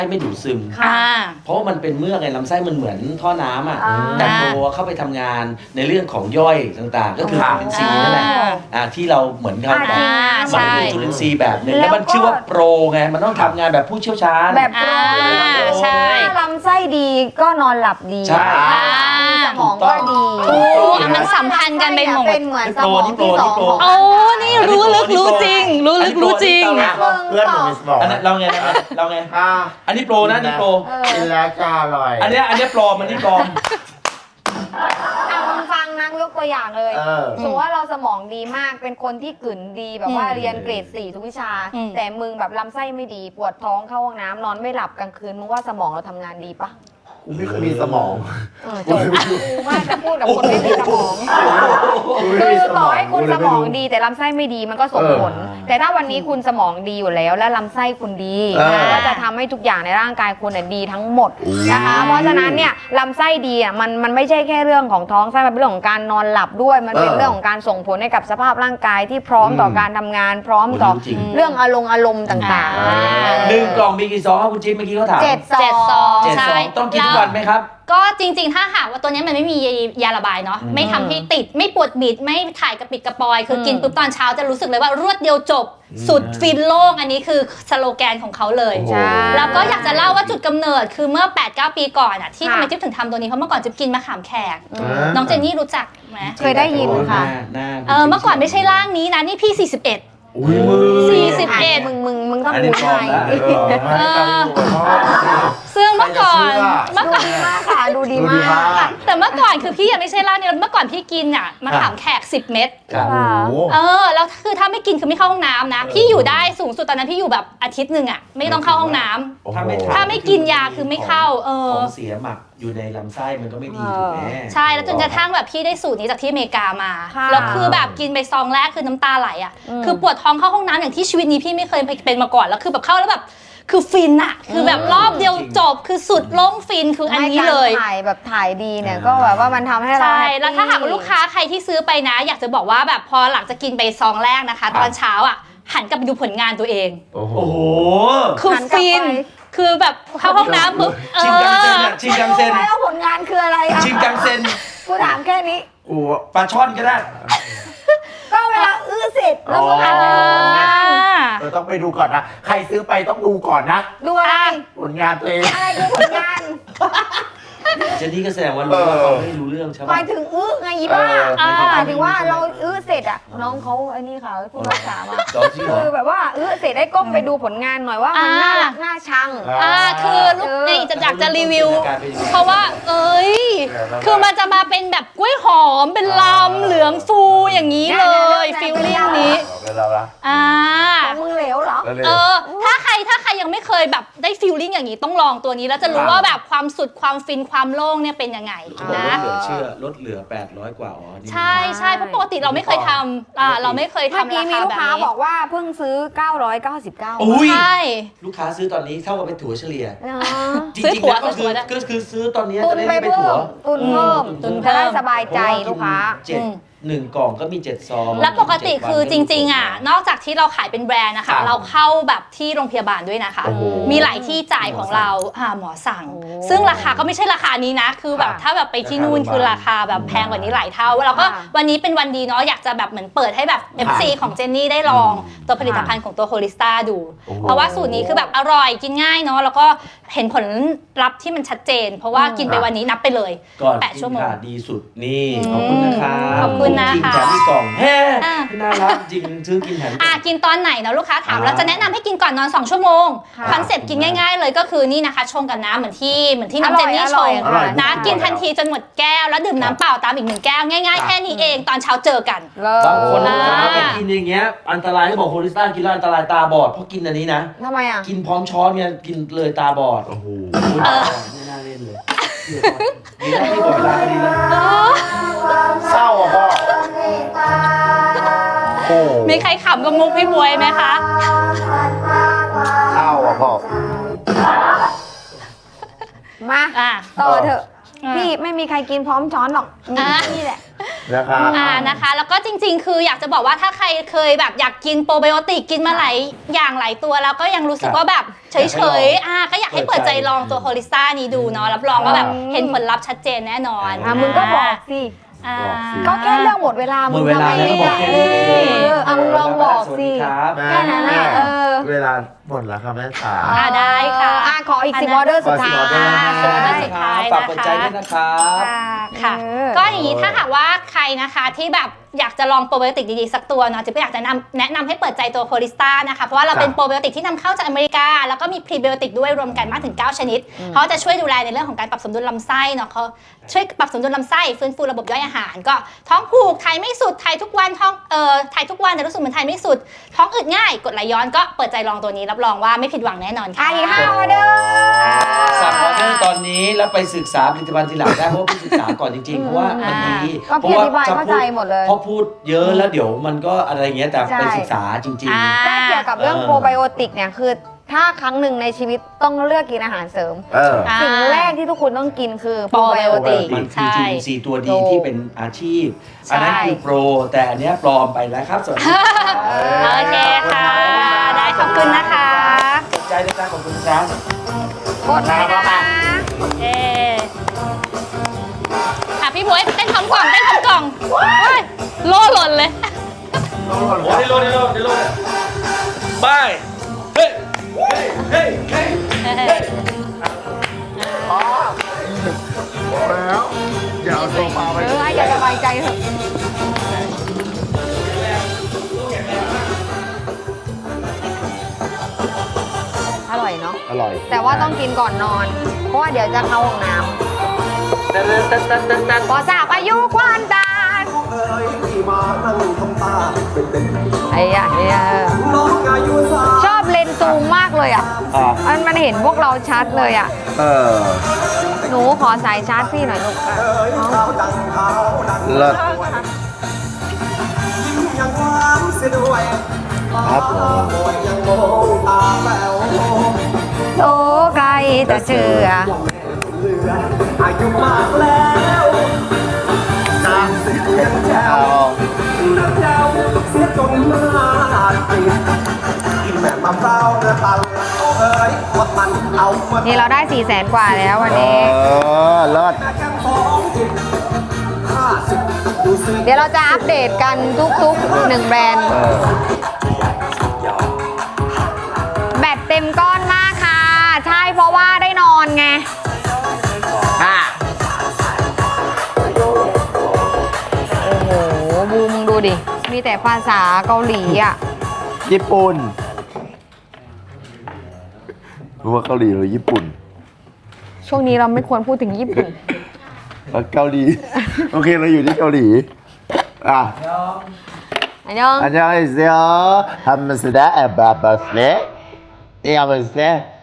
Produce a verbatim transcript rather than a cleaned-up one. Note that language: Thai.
ไม่ดูดซึมค่ะเพราะว่ามันเป็นเมือกไงลำไส้มันเหมือนท่อน้ำอ่ะแต่โปรเข้าไปทำงานในเรื่องของย่อยต่างๆ ก็คือจุลินทรีย์นั่นแหละอ่าที่เราเหมือนเขาแบบมันเป็นจุลินทรีย์แบบหนึ่งแล้วมันชื่อว่าโปรไงมันต้องทำงานแบบผู้เชี่ยวชาญแบบโปรใช่ลำไส้ดีก็นอนหลับดีใช่สมองก็ดีถูกมันสัมพันธ์กันไปหมดเป็นเหมือนสมองที่สองของโอ้นี่รู้ลึกรู้จริง รู้ลึกรู้จริงเพื่อนหนูมีสมองอันนั้นเราไงเราไงอ่าอันนี้โปรนะนี่โปรกินแล้วจะอร่อยอันเนี้ยอันเนี้ยปลอมอันนี้ปลอมอ่ะลองฟังนะยกตัวอย่างเลยเออสมมติว่าเราสมองดีมากเป็นคนที่กลืนดีแบบว่าอืมเรียนเกรดสี่ทุกวิชาอืมแต่มึงแบบลำไส้ไม่ดีปวดท้องเข้าห้องน้ำนอนไม่หลับกลางคืนมึงว่าสมองเราทำงานดีปะกูไม่เคยมีสมองเออจบกูว่าจะพูดกับคนไม่มีสมองคือต่อให้คุณสมองดีแต่ลำไส้ไม่ดีมันก็ส่งผล แต่ถ้าวันนี้คุณสมองดีอยู่แล้ว และลำไส้คุณดีเออก็จะทำให้ทุกอย่างในร่างกายคุณน่ะดีทั้งหมดนะคะเพราะฉะนั้นเนี่ยลำไส้ดีอ่ะมันมันไม่ใช่แค่เรื่องของท้องไส้มันเป็นเรื่องของการนอนหลับด้วยมันเป็นเออเรื่องของการส่งผลให้กับสภาพร่างกายที่พร้อมต่อการทำงาน พร้อมต่อจริงเรื่องอารมณ์อารมณ์ต่างอ่าๆหนึ่งกล่องมีกี่ซองครับคุณจิ๊บเมื่อกี้เขาถามเจ็ดซเจ็ดซออง งเจ็ดใช่ซองต้องกินทุกวันไหมครับก็จริงๆ ถ้าหากว่าตัวนี้มันไม่มียาระบายเนาะอืมไม่ทำให้ติดไม่ปวดบิดไม่ถ่ายกระปิดกระปอย คืออมกินปุ๊บตอนเช้าจะรู้สึกเลยว่ารวดเดียวจบ สุดฟินโล่งอันนี้คือสโลแกนของเขาเลยโอ้โหใช่แล้วก็อยากจะเล่าว่าจุดกำเนิดคือเมื่อ แปดเก้า ปีก่อนอ่ะที่ค่ะทำไมจิ๊บถึงทำตัวนี้เพราะเมื่อก่อนจิ๊บกินมะขามแขกอืมน้องเจนนี่รู้จักไหมเคยได้ยินค่ะหน้าหน้าเออเมื่อก่อนไม่ใช่ร่างนี้นะนี่พี่สี่สิบเอ็ดอุ้ยมือสี่สิบเอ็ดมึงมึงมึงต้องอันนี้ดูปลอมให้แล้วเออไม่ต้องอยู่กับพ่อซึ่งเมื่อก่อนใครจะเชื่อเมื่อดูก่อนดีมากค่ะดูดีดูดีมามาก กแต่เมื่อก่อนคือพี่ยังไม่ใช่ร่างนี้เมื่อก่อนพี่กินอ่ะมะขามแขกสิบเม็ดครับโอ้โหเออแล้วคือถ้าไม่กินคือไม่เข้าห้องน้ำนะ พี่อยู่ได้สูงสุดตอนนั้นพี่อยู่แบบอาทิตย์หนึ่งอ่ะไม่ต้องเข้าห้องน้ำถ้าไม่ถ้าไม่กินยาคือไม่เข้าเออของเสียหมักอยู่ในลำไส้มันก็ไม่ดีถูกไหมใช่แล้วจนกระทั่งแบบพี่ได้สูตรนี้จากที่อเมริกามาค่ะแล้วคือแบบกินไปซองแรกคือน้ำตาไหลอ่ะอืมคือปวดท้องเข้าห้องน้ำอย่างที่ชีวิตนี้พี่ไม่เคยเป็นมาก่อนแล้วคือแบบเข้าแล้วแบบคือฟินอะคือแบบรอบเดียวจบคือสุดโล่งฟินคืออันนี้เลยให้การถ่ายแบบถ่ายดีเนี่ยก็แบบว่ามันทำให้เราใช่ฮปปี้แล้วถ้าหากว่าลูกค้าใครที่ซื้อไปนะ อยากจะบอกว่าแบบพอหลังจากกินไปซองแรกนะคะ ตอนเช้าอ่ะหันกลับไปดูผลงานตัวเองโอ้โหโอ้โหคือหันกลับฟินไปคือแบบเข้าห้องน้ำปุ๊บเอชิงกังเซนออะชิงกังเซนไม่รู้แล้วผลงานคืออะไรอ่ะชิงกังเซนกูถามแค่นี้กูปลาช่อนก็ได้ก็เวลาอื้อเสร็จแล้วมึงหันไปดูผลงานเออต้องไปดูก่อนนะ ใครซื้อไปต้องดูก่อนนะดูอะไรผลงานตัวเองอะไรคือผลงานเจนนี่ก็แสดงว่ารู้ว่าเขาไม่รู้เรื่องใช่หไหมมายถึงอื้อไงอีบ้าเออหมายถึงว่าเราอื้อเสร็จอ่ะน้องเขาไอ้นี่ค่ะผู้รักษามาจอจริงเหรอคือแบบว่าอื้อเสร็จได้ก้มไปดูผลงานหน่อยว่ามันน่ารักน่าชังอ่าคือลูกเออนี่จะอยากจะรีวิวการเป็นยังไงเพราะว่า เอ้ย คือมันจะมาเป็นแบบกล้วยหอมเป็นลำเหลืองฟูอย่างนี้เลยฟิลลิ่งนี้เป็นเราละอ่าของมึงเหลวเหรอแล้วเลยเออ ถ้าใครถ้าใครยังไม่เคยแบบได้ฟีลลิ่งอย่างนี้ต้องลองตัวนี้แล้วจะรู้ว่าแบบความสุดความฟินความโล่งเนี่ยเป็นยังไงเขาบอกนะลดเหลือเชื่อลดเหลือแปดร้อยกว่าอ๋อนี่ใช่ใช่เพราะปกติเราไม่เคยทำอ่าเราไม่เคยเมื่อทำกี้รามีคาลูแบกบค้านี้บอกว่าเพิ่งซื้อเก้าร้อยเก้าสิบเก้าอุ้ยใช่ลูกค้าซื้อตอนนี้เท่ากับเป็นถั่วเฉลี่ยเนาะจซื้อริงถั่ๆวแล้วก็คือซื้อถั่วได้ก็คือซื้อตอนนี้ตุจะนได้ไปไม่เป็นเพิ่ถั่วมตุนเพิ่มตุนเพิ่มจะได้สบายใจลูกค้าเจ็ดหนึ่งกล่องก็มีเจ็ดซองแล้วปกติคือจริงๆอ่ะนอกจากที่เราขายเป็นแบรนด์นะคะ เราเข้าแบบที่โรงพยาบาลด้วยนะคะโอ้โหมีหลายที่จ่ายของเราอ่าหมอสั่งโอ้ซึ่งราคาก็ไม่ใช่ราคานี้นะ คือแบบค่ะถ้าแบบไปที่นู่นคือราคาแบบแพงกว่านี้หลายเท่าแล้วก็ค่ะวันนี้เป็นวันดีเนาะอยากจะแบบเหมือนเปิดให้แบบ เอฟ ซี ของเจนนี่ได้ลองตัวผลิตภัณฑ์ของตัวโฮลิสตาดูโอ้โหเพราะว่าสูตรนี้คือแบบอร่อยกินง่ายเนาะแล้วก็เห็นผลลัพธ์ที่มันชัดเจน เพราะว่ากินไปวันนี้นับไปเลยก่อนแปดกิชั่วน โมงค่ะดีสุดนี่อืมขอบคุณนะคะขอบคุณนะคะจริงแถมที่กล่องแฮ่อ่ะน่ารักจริงซื้อกินแถมอ่ะกินตอนไหนเนาะลูกค้าถามอ่าเราจะแนะนำให้กินก่อนนอนสองชั่วโมงค่ะคอนเซ็ปต์กินง่ายๆเลยก็คือนี่นะคะชงกับน้ำเหมือนที่เหมือนที่น้องอเจร่อน ยนี่อชร่อยงอร่อยนะทุกกินตัวทันทีจนหมดแก้วแล้วดื่มน้ำเปล่าตามอีกหนึ่งแก้วง่ายๆ แค่นี้เองตอนเช้าเจอกันเลิบางคนอ่านะไปกินอย่างเงี้ยอันตรายเขาบอกโฮลิสต้ากินแล้วอันตรายตาบอดเพราะกินอันนี้นะทำไมอ่ะกินพร้อมช้อนเนี่ยกินเลยตาบอดโอ้โหไม่น่าเล่นเลยดีแล้วที่บอกเวลาดีแล้วเศร้าอ่ะพ่อโอ้มีใครขำกับมุกพี่บวยไหมคะเศร้าอ่ะพ่อมาอ่ะต่อเถอะพี่ไม่มีใครกินพร้อมช้อนหรอกมีนี่แหละนะครับอ่านะคะ แล้วก็จริงๆ คืออยากจะบอกว่าถ้าใครเคยแบบอยากกินโปรไบโอติกกินมาหลายอย่างหลายตัวแล้วก็ยังรู้สึกว่าแบบเฉยๆอ่าก็อยากให้เปิดใจลองตัวโฮลิสต้านี้ดูเนาะรับรองว่าแบบเห็นผลลัพธ์ชัดเจนแน่นอนอ่ะมึงก็บอกสิอ่าก็แค่เรื่องหมดเวลาหมดเวลาแล้วก็บอกแค่นี้เออเอามึงลองบอกสิสวัสดีครับแค่นั้นน่ะเออเวลาหมดแล้วค่ะแม่ขาอ่าได้ค่ะอ่ะขออีกสิบออเดอร์สุดท้ายขอสิบออเดอร์นะสิบออเดอร์สุดท้ายฝากนะเปิดใจคะด้วยนะครับค่ะเออก็อย่างนี้ถ้าหากว่าใครนะคะที่แบบอยากจะลองโปรไบโอติกดีๆสักตัวเนาะจะก็อยากจะนำแนะนำให้เปิดใจตัวโฮลิสต้านะคะเพราะว่าเราเป็นโปรไบโอติกที่นำเข้าจากอเมริกาแล้วก็มีพรีไบโอติกด้วยรวมกันมากถึงเก้าชนิดเขาจะช่วยดูแลในเรื่องของการปรับสมดุลลำไส้เนาะเขาช่วยปรับสมดุลลำไส้ฟื้นฟูระบบย่อยอาหาร ก็ท้องผูกถ่ายไม่สุดถ่ายทุกวันท้องเอ่อถ่ายทุกวันแต่รู้สึกเหมือนถ่ายไม่สุดท้องอืดง่ายกดไหลย้อนก็เปิดใจลองตัวนี้รับรองว่าไม่ผิดหวังแน่นอนอ่ะค่ะอีกห้าออเดอร์สั่งออเดอร์ตอนนี้แล้วไปศึกษาผลิตภัณฑ์ทีหลังได้เพราะว่าพี่ศึกษาก่อนจริงๆ เพราะว่ามันดีก็พี่อธิบายเข้าใจหมดเลยเพราะพูดเยอะแล้วเดี๋ยวมันก็อะไรเงี้ยแต่ใช่ไปศึกษาจริงอ่าแต่เกี่ยวกับเรื่องเออโปรไบโอติกเนี่ยคือถ้าครั้งหนึ่งในชีวิตต้องเลือกกินอาหารเสริมเอออ่าสิ่งแรกที่ทุกคนต้องกินคือโปโปรรไบไบโอโอติติกกมันคือใช่ทีซีตัวดีถูกที่เป็นอาชีพ อันนั้นคือโปร แต่อันเนี้ยปลอมไปแล้วครับสวัสดีครับโอเคค่ะ ได้ขอบคุณนะคะสนใจในการขอบคุณครับกดเลยนะเออ่ะพี่บวยเต้นทำกล่องเต้นทำกล่องเฮ้ยโล่หล่นเลยโอ้ได้โลดได้โลดได้โลดไปเฮ้ยเฮ้ยเฮ้ยเฮ้ยแล้วอย่าเอาโซฟาไปเออให้แกสบายใจเถอะอร่อยเนาะอร่อยแต่ว่าต้องกินก่อนนอน เพราะว่าเดี๋ยวจะเข้าห้องน้ำพอทราบอายุความตายไอ้ยะเนี่ยชอบเลนส์ซูมมากเลยอ่ะอ่ะมันมันเห็นพวกเราชัดเลยอ่ะเออหนูขอสายชาร์จพี่หน่อยลูกอ่ะเอาเลิศครับผมโอ้ใครจะเชื่ออายุมากแล้วนานเสียงแถเอาวน้ำแถวเสียจนมาติดกินแม่มะพร้าวเนื้อตันเอ้ยว่ามันเอามานี่เราได้สี่แสนกว่าแล้ววันเอนี้อเลิศแค่ของจิตห้าสิบดูสิเดี๋ยวเราจะอัปเดตกันทุกๆหนึ่งแบรนด์เออแบตเต็มก้อนมากค่ะ ใช่เพราะว่าได้นอนไงค่ะโอ้โห บูมงดูดิ มีแต่ภาษาเกาหลีอ่ะญี่ปุ่นรู้ว่าเกาหลีหรือญี่ปุ่นช่วงนี้เราไม่ควรพูดถึงญี่ปุ่นเกาหลี โอเคเราอยู่ที่เกาหลี อ่ะอันยอง 안녕하세요. 함스다 에바바스네. 네, 함스다.